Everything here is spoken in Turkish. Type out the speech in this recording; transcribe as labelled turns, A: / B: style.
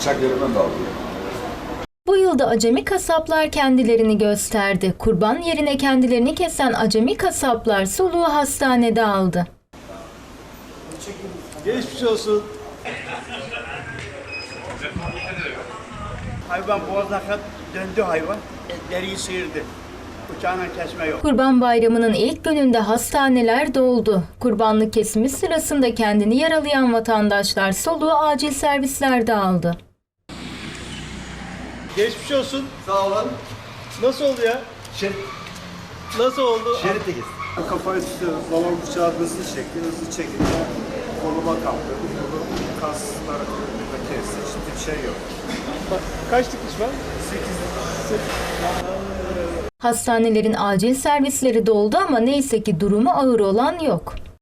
A: bıçak yerinden de aldı.
B: Bu yılda acemi kasaplar kendilerini gösterdi. Kurban yerine kendilerini kesen acemi kasaplar soluğu hastanede aldı.
C: Geçmiş olsun. Hayvan boğazına kadar döndü hayvan. Deriyi sıyırdı. Bıçağına kesme yok.
B: Kurban Bayramı'nın ilk gününde hastaneler doldu. Kurbanlık kesimi sırasında kendini yaralayan vatandaşlar soluğu acil servislerde aldı.
C: Geçmiş olsun.
D: Sağ olun.
C: Nasıl oldu ya? Nasıl oldu?
D: Şerit de
E: Kafayı tutuyoruz. Balon bıçağı hızlı çekti. Hızlı çekince koluma kaptı. Kolu kasları kırıldı, kesti. Hiçbir şey yok.
C: Kaç dikiş var?
B: 8. Hastanelerin acil servisleri doldu ama neyse ki durumu ağır olan yok.